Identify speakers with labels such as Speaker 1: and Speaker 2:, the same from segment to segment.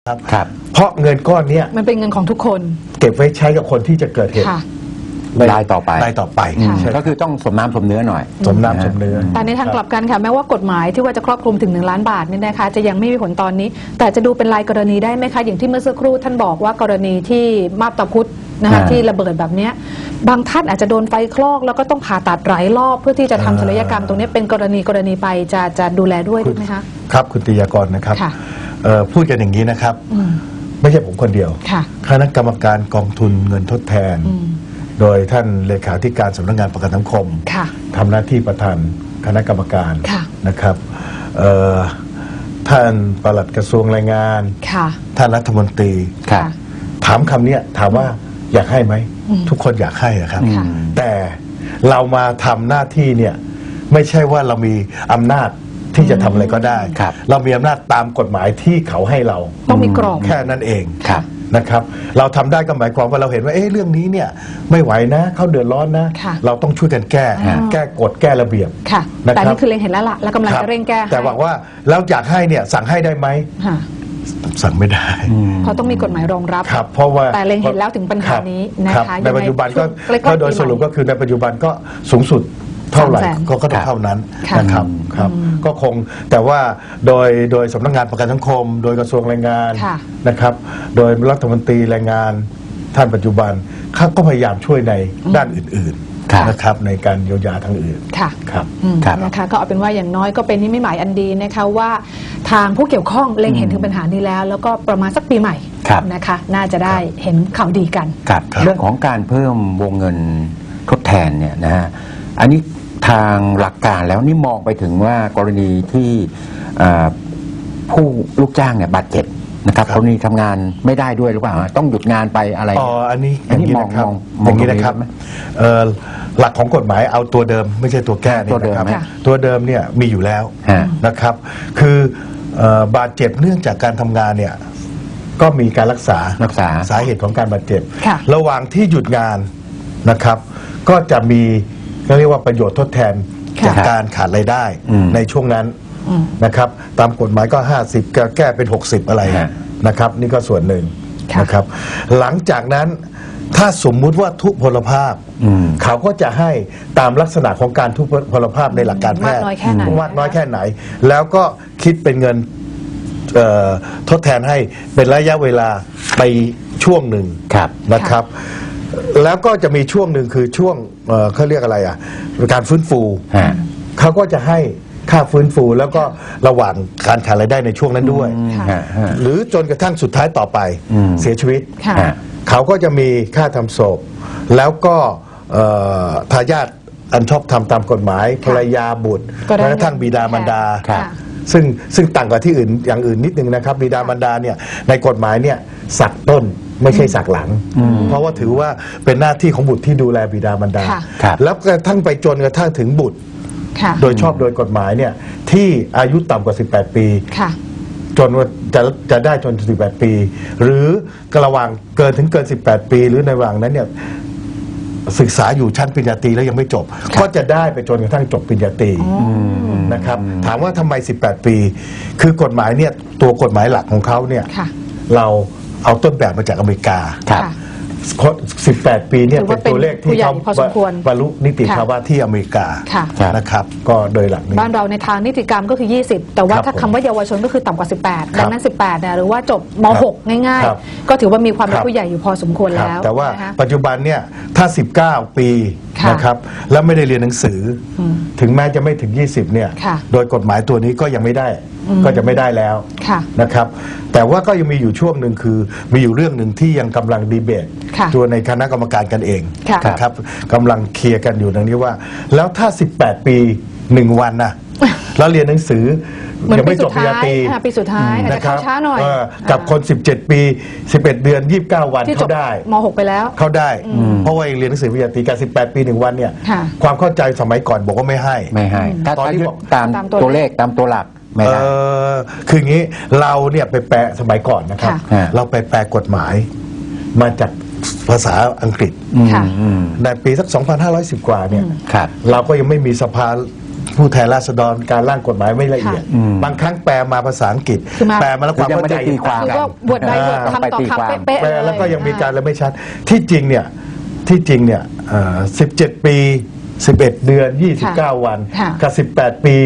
Speaker 1: ครับ
Speaker 2: เพราะเงินก้อนนี้
Speaker 3: มันเป็นเงินของทุกคน
Speaker 2: เก็บไว้ใช้กับคนที่จะเกิดเหตุ
Speaker 1: รายต่อไปก็คือต้องสมน้ำสมเนื้อหน่อย
Speaker 2: สมน้ำสมเนื้อ
Speaker 3: แต่ในทางกลับกันค่ะแม้ว่ากฎหมายที่ว่าจะครอบคลุมถึง1 ล้านบาทนี่นะคะจะยังไม่มีผลตอนนี้แต่จะดูเป็นรายกรณีได้ไหมคะอย่างที่เมื่อสักครู่ท่านบอกว่ากรณีที่มาบตาพุธนะคะที่ระเบิดแบบนี้บางท่านอาจจะโดนไฟคลอกแล้วก็ต้องผ่าตัดหลายรอบเพื่อที่จะทำศัลยกรรมตรงนี้เป็นกรณีไปจะดูแลด้วยไหมคะ
Speaker 2: ครับคุณติยากรนะครับพูดกันอย่างนี้นะครับไม่ใช่ผมคนเดียวคณะกรรมการกองทุนเงินทดแทนโดยท่านเลขาธิการสำนักงานประกันสังคมทำหน้าที่ประธานคณะกรรมการนะครับท่านปลัดกระทรวงแรงงานท่านรัฐมนตรีถามคำนี้ถามว่าอยากให้ไหมทุกคนอยากให้นะครับแต่เรามาทำหน้าที่เนี่ยไม่ใช่ว่าเรามีอำนาจที่จะทำอะไรก็ได้เรามีอำนาจตามกฎหมายที่เขาให้เรา
Speaker 3: ต้องมีกรอบ
Speaker 2: แค่นั้นเองนะครับเราทำได้ก็หมายความว่าเราเห็นว่าเรื่องนี้เนี่ยไม่ไหวนะเขาเดือดร้อนนะเราต้องช่วยกันแก้กฎแก้ระเบียบ
Speaker 3: แต่นี่คือเล็งเห็นแล้วล่ะแล้วกำลังจะเร่งแก้
Speaker 2: แต่หวังว่าแล้วอยากให้เนี่ยสั่งให้ได้ไหมสั่งไม่ได้
Speaker 3: เพราะต้องมีกฎหมายรองรับ
Speaker 2: ครับเพราะว่า
Speaker 3: แต่เล็งเห็นแล้วถึงปัญหานี้นะคะ
Speaker 2: ในปัจจุบันก็โดยสรุปก็คือในปัจจุบันก็สูงสุดเท่าไหร่ก็ต้องเท่านั้นนะครับก็คงแต่ว่าโดยสำนักงานประกันสังคมโดยกระทรวงแรงงานนะครับโดยรัฐมนตรีแรงงานท่านปัจจุบันเขาก็พยายามช่วยในด้านอื่นๆนะครับในการเยียวยาทางอื่น
Speaker 3: ครับนะคะก็เอาเป็นว่าอย่างน้อยก็เป็นนิมิตหมายอันดีนะคะว่าทางผู้เกี่ยวข้องเล็งเห็นถึงปัญหานี้แล้วก็ประมาณสักปีใหม่นะคะน่าจะได้เห็นข่าวดีกัน
Speaker 1: เรื่องของการเพิ่มวงเงินทดแทนเนี่ยนะฮะอันนี้ทางหลักการแล้วนี่มองไปถึงว่ากรณีที่ผู้ลูกจ้างเนี่ยบาดเจ็บนะครับกรณีทำงานไม่ได้ด้วยหรือเปล่าต้องหยุดงานไปอะไร
Speaker 2: อันนี้มองอย่างนี้นะครับหลักของกฎหมายเอาตัวเดิมไม่ใช่ตัวแก้นะครับตัวเดิมเนี่ยมีอยู่แล้วนะครับคือบาดเจ็บเนื่องจากการทำงานเนี่ยก็มีการรักษาสาเหตุของการบาดเจ็บระหว่างที่หยุดงานนะครับก็จะมีเรียกว่าประโยชน์ทดแทนจากการขาดรายได้ในช่วงนั้นนะครับตามกฎหมายก็50แก้เป็น60อะไรนะครับนี่ก็ส่วนหนึ่งนะครับหลังจากนั้นถ้าสมมุติว่าทุพพลภาพเขาก็จะให้ตามลักษณะของการทุพพลภาพในหลักการแพทย์มากน้อยแค่ไหนแล้วก็คิดเป็นเงินทดแทนให้เป็นระยะเวลาไปช่วงหนึ่งนะครับแล้วก็จะมีช่วงหนึ่งคือช่วงเขาเรียกอะไรการฟื้นฟูเขาก็จะให้ค่าฟื้นฟูแล้วก็ระหว่างการขาดรายได้ในช่วงนั้นด้วยหรือจนกระทั่งสุดท้ายต่อไปเสียชีวิตเขาก็จะมีค่าทำศพแล้วก็ทายาทอันชอบทำตามกฎหมายภรรยาบุตรแม้กระทั่งบิดามารดาซึ่งต่างกับที่อื่นอย่างอื่นนิดนึงนะครับบิดามารดาเนี่ยในกฎหมายเนี่ยสักต้นไม่ใช่สักหลังเพราะว่าถือว่าเป็นหน้าที่ของบุตรที่ดูแลบิดามารดาแล้วกระทั่งไปจนกระทั่งถึงบุตรโดยชอบโดยกฎหมายเนี่ยที่อายุต่ำกว่า18 ปีจนว่าจะได้จน18 ปีหรือระหว่างเกิน18 ปีหรือในระหว่างนั้นเนี่ยศึกษาอยู่ชั้นปริญญาตรีแล้วยังไม่จบก็จะได้ไปจนกระทั่งจบปริญญาตรีนะครับถามว่าทำไม18 ปีคือกฎหมายเนี่ยตัวกฎหมายหลักของเขาเนี่ยเราเอาต้นแบบมาจากอเมริกา18 ปีเนี่ยเป็นตัวเลขที่เขาบรรลุนิติภาวะที่อเมริกานะครับก็โดยหลักนี้
Speaker 3: บ้านเราในทางนิติกรรมก็คือ20แต่ว่าถ้าคำว่าเยาวชนก็คือต่ำกว่า18ดังนั้น18เนี่ยหรือว่าจบม.6 ง่ายๆก็ถือว่ามีความเป็นผู้ใหญ่อยู่พอสมควรแล้ว
Speaker 2: แต่ว่าปัจจุบันเนี่ยถ้า19 ปีนะครับแล้วไม่ได้เรียนหนังสือถึงแม้จะไม่ถึง20เนี่ยโดยกฎหมายตัวนี้ก็ยังไม่ได้ก็จะไม่ได้แล้วนะครับแต่ว่าก็ยังมีอยู่ช่วงหนึ่งคือมีอยู่เรื่องหนึ่งที่ยังกำลังดีเบตตัวในคณะกรรมการกันเองนะครับกำลังเคลียร์กันอยู่ดังนี้ว่าแล้วถ้า18 ปี1 วันนะแล้วเรียนหนังสือยังไม่จบปริญญาตรี
Speaker 3: ปีสุดท้ายนะครับช้าหน่อย
Speaker 2: กับคน17 ปี11 เดือน29 วันเขาได้
Speaker 3: ม.6 ไปแล้ว
Speaker 2: เขาได้เพราะว่าเรียนหนังสือปริญญาตรีกับ18 ปี1 วันเนี่ยความเข้าใจสมัยก่อนบอกว่าไม่ให้
Speaker 1: ตอนนี้บอกตามตัวเลขตามตัวหลัก
Speaker 2: คืออย่างนี้เราเนี่ยไปแปลสมัยก่อนนะครับเราไปแปลกฎหมายมาจากภาษาอังกฤษในปีสัก 2510 กว่าเนี่ยเราก็ยังไม่มีสภาผู้แทนราษฎรการร่างกฎหมายไม่ละเอียด บางครั้งแปลมาภาษาอังกฤษ
Speaker 3: คือมา
Speaker 2: แปลมาแล้วความเข้าใจ
Speaker 1: คือ
Speaker 3: ก็บทใดบทคำต่อคำเป๊ะๆ
Speaker 2: แปล
Speaker 3: เลย
Speaker 2: แล้วก็ยังมีการละไม่ชัดที่จริงเนี่ย17 ปี 11 เดือน 29 วัน
Speaker 3: ค่ะ
Speaker 2: กับ 18 ปี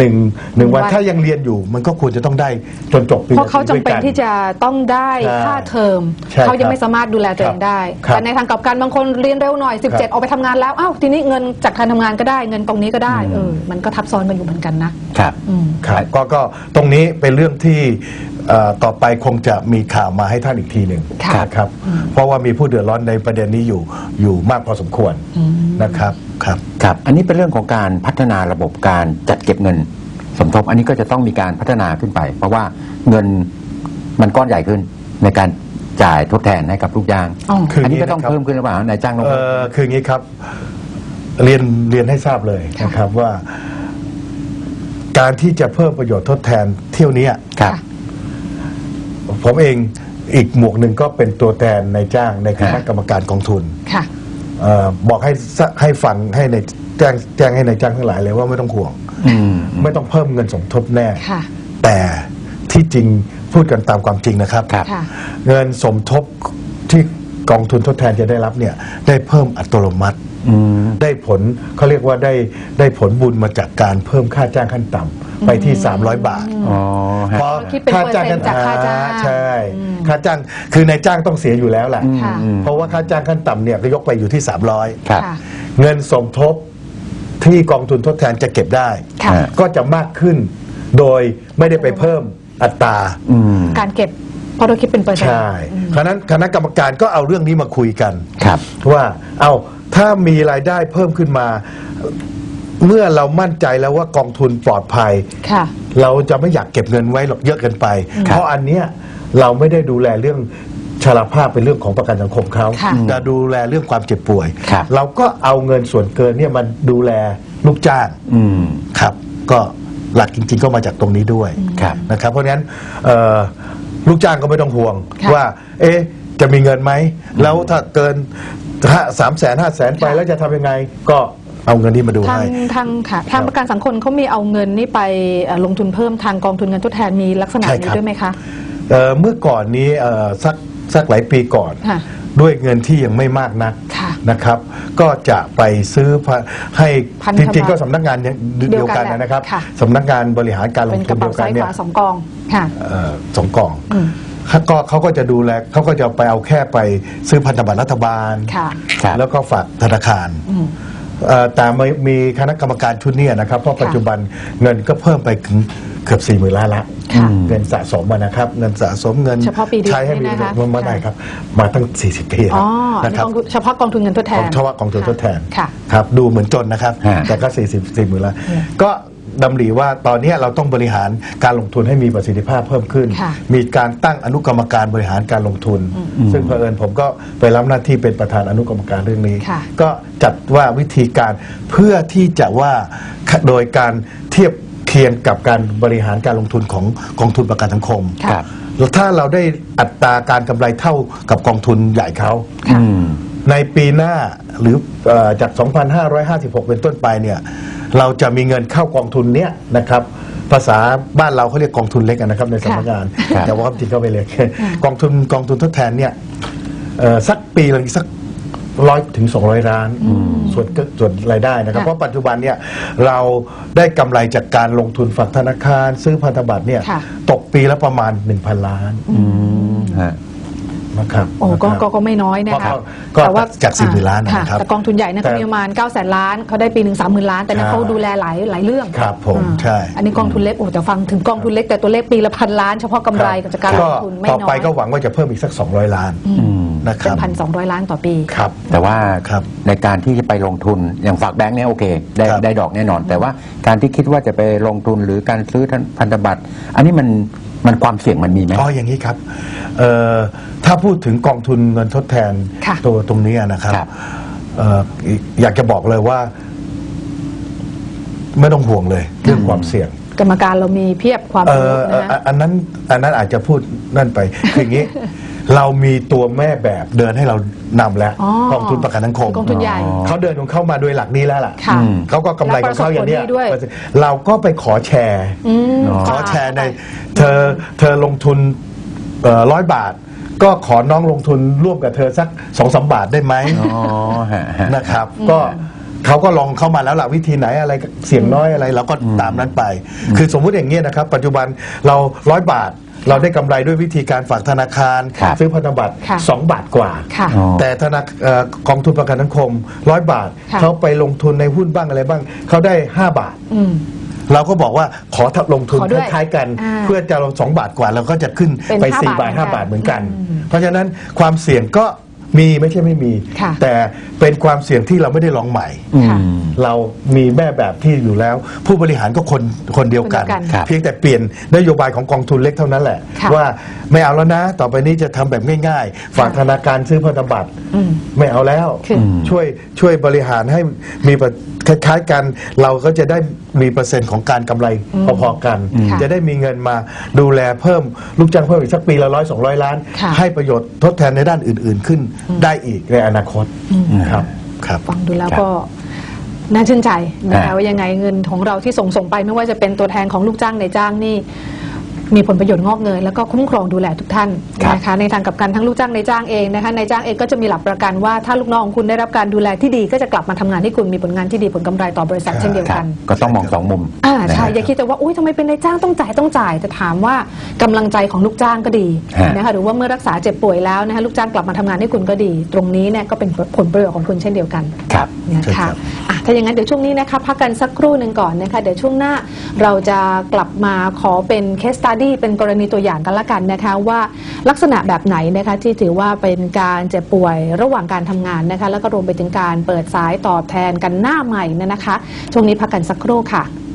Speaker 2: 1วันถ้ายังเรียนอยู่มันก็ควรจะต้องได้จนจบปี
Speaker 3: เพราะเขาจำเป็น
Speaker 2: ด้วยกั
Speaker 3: ที่จะต้องได้
Speaker 2: ใช่
Speaker 3: ค่าเทอม
Speaker 2: ใช่
Speaker 3: เขายังไม่สามารถดูแลตัวเองได้
Speaker 2: ครับ
Speaker 3: แต่ในทางกลับกันบางคนเรียนเร็วหน่อย 17 ออกไปทำงานแล้วอ้าวทีนี้เงินจากการทำงานก็ได้เงินตรงนี้ก็ได้มันก็ทับซ้อนกันอยู่เหมือนกันนะครับ
Speaker 2: ครับก็ตรงนี้เป็นเรื่องที่ต่อไปคงจะมีข่าวมาให้ท่านอีกทีหนึ่ง
Speaker 3: ค่ะ
Speaker 2: นะครับเพราะว่ามีผู้เดือดร้อนในประเด็นนี้อยู่มากพอสมควรนะครับครับ
Speaker 1: ครับ อันนี้เป็นเรื่องของการพัฒนาระบบการจัดเก็บเงินสมทบ อันนี้ก็จะต้องมีการพัฒนาขึ้นไป เพราะว่าเงินมันก้อนใหญ่ขึ้นในการจ่ายทดแทนให้กับลูกจ้าง
Speaker 2: คืออั
Speaker 1: อันนี้ก็ต้องเพิ่มขึ้นหรือเปล่านายจ้างลง
Speaker 2: คืออย่างนี้ครับเรียนให้ทราบเลยนะครับว่า การที่จะเพิ่มประโยชน์ทดแทนเที่ยวนี้
Speaker 1: ครับ
Speaker 2: ผมเองอีกหมวกหนึ่งก็เป็นตัวแทนนายจ้างในคณะกรรมการกองทุน
Speaker 3: ค่ะ
Speaker 2: บอกให้ฟังให้ในแจ้งให้นายจ้างทั้งหลายเลยว่าไม่ต้องห่วง ไม่ต้องเพิ่มเงินสมทบแน่
Speaker 3: ค่ะ
Speaker 2: แต่ที่จริงพูดกันตามความจริงนะครับ
Speaker 1: ครับ
Speaker 3: ค่ะ
Speaker 2: เงินสมทบที่กองทุนทดแทนจะได้รับเนี่ยได้เพิ่มอัตโนมัติ ได้ผลเขาเรียกว่าได้ผลบุญมาจากการเพิ่มค่าจ้างขั้นต่ำไปที่ 300 บาท
Speaker 1: อ๋อฮะ
Speaker 2: เพราะ
Speaker 3: คิดเป็นเปอร์เซ็นต์จากค่าจ้าง
Speaker 2: ใช่ค่าจ้างคือนายจ้างต้องเสียอยู่แล้วแหละ
Speaker 3: ค่ะ
Speaker 2: เพราะว่าค่าจ้างขั้นต่ำเนี่ยก็ยกไปอยู่ที่ 300
Speaker 1: ครับ
Speaker 3: ค่ะ
Speaker 2: เงินสมทบที่กองทุนทดแทนจะเก็บได้
Speaker 3: ค่ะ
Speaker 2: ก็จะมากขึ้นโดยไม่ได้ไปเพิ่มอัตรา
Speaker 3: การเก็บเพราะเราคิดเป็นเปอร์เซ็นต์
Speaker 2: ใช่คณะกรรมการก็เอาเรื่องนี้มาคุยกัน
Speaker 1: ครับ
Speaker 2: ว่าเอาถ้ามีรายได้เพิ่มขึ้นมา เมื่อเรามั่นใจแล้วว่ากองทุนปลอดภัย
Speaker 3: ค่ะ
Speaker 2: เราจะไม่อยากเก็บเงินไว้หรอกเยอะเกินไป เพราะอันเนี้ยเราไม่ได้ดูแลเรื่องชราภาพเป็นเรื่องของประกันสังคมเขา
Speaker 3: ค่ะ
Speaker 2: จะดูแลเรื่องความเจ็บป่วย
Speaker 1: ครับ
Speaker 2: เราก็เอาเงินส่วนเกินเนี่ยมันดูแลลูกจ้าง ครับก็หลักจริงๆก็มาจากตรงนี้ด้วย
Speaker 1: ครับ
Speaker 2: นะครับ เพราะฉะนั้นลูกจ้างก็ไม่ต้องห่วง
Speaker 3: ค่ะ
Speaker 2: ว่าจะมีเงินไหมแล้วถ้าเกิน300,000-500,000ไปแล้วจะทำยังไงก็เอาเงินนี้มาดู
Speaker 3: ทาง
Speaker 2: ให้
Speaker 3: ทางประกันสังคมเขามีเอาเงินนี่ไปลงทุนเพิ่มทางกองทุนเงินทดแทนมีลักษณะ
Speaker 2: ใช่
Speaker 3: นี้
Speaker 2: ครับ
Speaker 3: ด้วยไหมคะ
Speaker 2: เมื่อก่อนนี้สักหลายปีก่อน
Speaker 3: ค่ะ
Speaker 2: ด้วยเงินที่ยังไม่มากนัก
Speaker 3: ค่ะ
Speaker 2: นะครับ ก็จะไปซื้อให้
Speaker 3: พันธ
Speaker 2: จ
Speaker 3: บัตร
Speaker 2: ริงๆก็สำนักงานเดียวกัน
Speaker 3: เดียวกันแหละ
Speaker 2: นะครับ
Speaker 3: ค่ะ
Speaker 2: สำนักงานบริหารการล
Speaker 3: เป็
Speaker 2: ง
Speaker 3: นก
Speaker 2: ทุ
Speaker 3: ระ
Speaker 2: น
Speaker 3: เป๋า
Speaker 2: เดียวกั
Speaker 3: ซ้าน ย
Speaker 2: เนี่
Speaker 3: ข
Speaker 2: ย
Speaker 3: วาสองกองค่ะ
Speaker 2: สองกล่องเขาก็จะดูแลเขาก็จะไปเอาแค่ไปซื้อพันธบัตรรัฐบาล
Speaker 3: ค่ะ
Speaker 1: ครับ
Speaker 2: แล้วก็ฝากธนาคารแต่มีคณะกรรมการชุดเนี้นะครับ เพราะปัจจุบันเงินก็เพิ่มไปถึงเกือบ40,000 ล้านละ
Speaker 3: ค่ะ
Speaker 2: เงินสะสมนะครับ เงินสะสมเงิน
Speaker 3: เฉพาะปีเดียว
Speaker 2: ใช้ให้มี
Speaker 3: นี่นะคะ
Speaker 2: มาได้ครับ มาตั้ง40 ปี
Speaker 3: อ๋อ
Speaker 2: แล้ว
Speaker 3: อัน
Speaker 2: นะ
Speaker 3: นี้
Speaker 2: ครับ
Speaker 3: เฉพาะกองทุนเงินทดแทน
Speaker 2: ของชาวกองทุนทดแทน
Speaker 3: ค่ะ
Speaker 2: ครับดูเหมือนจนนะครับ
Speaker 1: ฮะ
Speaker 2: แต่ก็40,000 ล้านก็ดำริว่าตอนนี้เราต้องบริหารการลงทุนให้มีประสิทธิภาพเพิ่มขึ้น
Speaker 3: ค่ะ
Speaker 2: มีการตั้งอนุกรรมการบริหารการลงทุน ซึ่งเผอิญผมก็ไปรับหน้าที่เป็นประธานอนุกรรมการเรื่องนี้
Speaker 3: ค่ะ
Speaker 2: ก็จัดว่าวิธีการเพื่อที่จะว่าโดยการเทียบเคียงกับการบริหารการลงทุนของกองทุนประกันสังคม
Speaker 3: ค่ะ
Speaker 1: ครับ
Speaker 2: แล้วถ้าเราได้อัตราการกำไรเท่ากับกองทุนใหญ่เขา
Speaker 3: ค่ะ
Speaker 2: ในปีหน้าหรือจาก 2,556 เป็นต้นไปเนี่ยเราจะมีเงินเข้ากองทุนเนี้ยนะครับภาษาบ้านเราเขาเรียกกองทุนเล็กนะครับในสำนักงาน
Speaker 1: ครับ
Speaker 2: แต่ว่าความจริงก็ไม่เล็กกองทุนทดแทนเนี่ยสักปีละสัก100 ถึง 200 ล้านส่วนรายได้นะครับ
Speaker 3: ค่ะ
Speaker 2: เพราะปัจจุบันเนี่ยเราได้กำไรจากการลงทุนฝากธนาคารซื้อพันธบัตรเนี่ย
Speaker 3: ค่ะ
Speaker 2: ตกปีละประมาณ 1,000 ล้าน
Speaker 1: ฮะ
Speaker 2: นะครับ
Speaker 3: โอ้ก็
Speaker 2: นะครับ
Speaker 3: ก็ไม่น้อยนะคะ
Speaker 2: ก็
Speaker 3: แต่ว่า
Speaker 2: จาก40,000 ล้านนะครับ
Speaker 3: แต่กองทุนใหญ่เนี่ยเขามีประมาณ900,000 ล้านเขาได้ปีหนึ่ง30,000 ล้าน แต่นั้น
Speaker 2: ใช่
Speaker 3: เขาดูแลหลายเรื่อง
Speaker 2: ครับผมใช่
Speaker 3: อันนี้กองทุนเล็กโอ้แต่ฟังถึงกองทุนเล็กแต่ตัวเลขปีละ1,000 ล้านเฉพาะกำไรกับจากการลงทุนไม่
Speaker 2: ต่อ
Speaker 3: น้อ
Speaker 2: ไป
Speaker 3: ย
Speaker 2: ก็หวังว่าจะเพิ่มอีกสัก200 ล้านนะค
Speaker 3: เป็
Speaker 2: รั
Speaker 3: น
Speaker 2: บ
Speaker 3: 1,200 ล้านต่อปี
Speaker 2: ครับ
Speaker 1: แต่ว่า
Speaker 2: ครับ
Speaker 1: ในการที่จะไปลงทุนอย่างฝากแบงค์เนี่ยโอเค ได้
Speaker 2: ครับ
Speaker 1: ได้ดอกแน่นอน แต่ว่าการที่คิดว่าจะไปลงทุนหรือการซื้อพันธบัตร อันนี้มันความเสี่ยงมันมีไหม
Speaker 2: อ๋ออย่างนี้ครับถ้าพูดถึงกองทุนเงินทดแทน
Speaker 3: ค่ะ
Speaker 2: ตัวตรงนี้นะครับ
Speaker 1: ครับ
Speaker 2: อยากจะบอกเลยว่า ไม่ต้องห่วงเลยเรื่องความเสี่ยง
Speaker 3: กรรมการเรามีเพียบความรู้นะ
Speaker 2: อันนั้นอาจจะพูดนั่นไปคืออย่างนี้เรามีตัวแม่แบบเดินให้เรานำแล้ว
Speaker 3: อ๋อก
Speaker 2: องทุนประกันสังคม
Speaker 3: กองทุนใหญ่
Speaker 2: เขาเดินของเขามาโดยหลักนี้แล้วล่ะ
Speaker 3: ค่ะ
Speaker 2: เขาก็กำไรของเขาอย่างเนี้ย
Speaker 3: และประสบผลดีด้วย
Speaker 2: เราก็ไปขอแชร์ ขอแชร์ในเธอลงทุน100 บาท ก็ขอน้องลงทุนร่วมกับเธอสัก2-3 บาทได้ไหม
Speaker 1: อ๋อฮะ
Speaker 2: นะครับ ก็เขาก็ลองเข้ามาแล้วล่ะวิธีไหนอะไรเสี่ยงน้อยอะไรเราก็ตามนั้นไป คือสมมุติอย่างเงี้ยนะครับ ปัจจุบันเรา100 บาท เราได้กำไรด้วยวิธีการฝากธนาคาร
Speaker 1: ครับ
Speaker 2: ซื้อพันธบัตร
Speaker 3: ค่ะ
Speaker 2: 2 บาทกว่า
Speaker 3: ค่ะ
Speaker 1: อ๋อ
Speaker 2: แต่กองทุนประกันสังคม100 บาท
Speaker 3: ค่ะ
Speaker 2: เขาไปลงทุนในหุ้นบ้างอะไรบ้างเขาได้5 บาท
Speaker 3: อืม
Speaker 2: เราก็บอกว่าขอลงทุน
Speaker 3: ขอด้วย
Speaker 2: คล้ายๆกัน
Speaker 3: อ่า
Speaker 2: เพื่อจะลง2 บาทกว่าเราก็จะขึ้น
Speaker 3: เป็น
Speaker 2: ไป
Speaker 3: 5
Speaker 2: 4 บาท
Speaker 3: บาท
Speaker 2: 5 บาทเหมือนกัน
Speaker 3: อืม
Speaker 2: เพราะฉะนั้นความเสี่ยงก็มีไม่ใช่ไม่มี
Speaker 3: ค่ะ
Speaker 2: แต่เป็นความเสี่ยงที่เราไม่ได้ลองใหม่
Speaker 1: อื
Speaker 3: ค่ะ
Speaker 1: ม
Speaker 2: เรามีแม่แบบที่อยู่แล้ว ผู้บริหารก็คนเดียวกัน
Speaker 3: คนเดียวกัน
Speaker 1: ครับ
Speaker 2: เพียงแต่เปลี่ยนนโยบายของกองทุนเล็กเท่านั้นแหละ
Speaker 3: ค่ะ
Speaker 2: ว่าไม่เอาแล้วนะ ต่อไปนี้จะทำแบบง่ายๆ ฝากธนาคารซื้อพันธบัตร
Speaker 3: อืม
Speaker 2: ไม่เอาแล้ว
Speaker 3: คือ
Speaker 2: ช่วยบริหารให้มีคล้ายๆกัน เราก็จะได้มีเปอร์เซ็นต์ของการกำไรพอๆกัน
Speaker 3: ค่ะ
Speaker 2: จะได้มีเงินมาดูแลเพิ่มลูกจ้างเพิ่มอีกสักปีละ100-200 ล้าน
Speaker 3: ค่ะ
Speaker 2: ให้ประโยชน์ทดแทนในด้านอื่นๆขึ้นได้อีกในอนาคตครับครับ
Speaker 3: ฟังดูแล้ว
Speaker 1: ครับ
Speaker 3: ก็น่าชื่นใจนะคะ
Speaker 1: อ่า
Speaker 3: ว่ายังไงเงินของเราที่ส่งไปไม่ว่าจะเป็นตัวแทนของลูกจ้างในจ้างนี่มีผลประโยชน์งอกเงยแล้วก็คุ้มครองดูแลทุกท่านนะคะในทางกลับกันทั้งลูกจ้างในจ้างเองนะคะในจ้างเองก็จะมีหลักประกันว่าถ้าลูกน้องของคุณได้รับการดูแลที่ดีก็จะกลับมาทำงานให้คุณมีผลงานที่ดีผลกำไรต่อบริษัทเช่นเดียว
Speaker 1: ครั
Speaker 3: กับ น
Speaker 1: ก็ต้องมอง2 มุม
Speaker 3: ใช่
Speaker 1: นะฮะ
Speaker 3: อย่าคิดแต่ว่าอุ้ยทำไมเป็นนายจ้างต้องจ่ายแต่ถามว่ากำลังใจของลูกจ้างก็ดี
Speaker 1: ฮะ
Speaker 3: นะคะหรือว่าเมื่อรักษาเจ็บป่วยแล้วนะคะลูกจ้างกลับมาทำงานให้คุณก็ดี ตรงนี้เนี่ยก็เป็นผลประโยชน์ของคุณเช่นเดียวกัน
Speaker 1: ครับ
Speaker 3: นะ
Speaker 2: ใช่ครั
Speaker 3: คะ
Speaker 2: บ
Speaker 3: ถ้าอย่างนั้นเดี๋ยวช่วงนี้นะคะพักกันสักครู่หนึ่งก่อนนะคะเดี๋ยวช่วงหน้าเราจะกลับมาขอเป็น case study เป็นกรณีตัวอย่างกันละกันนะคะว่าลักษณะแบบไหนนะคะที่ถือว่าเป็นการเจ็บป่วยระหว่างการทำงานนะคะแล้วก็รวมไปถึงการเปิดสายตอบแทนกันหน้าใหม่นะคะช่วงนี้พักกันสักครู่ค่ะ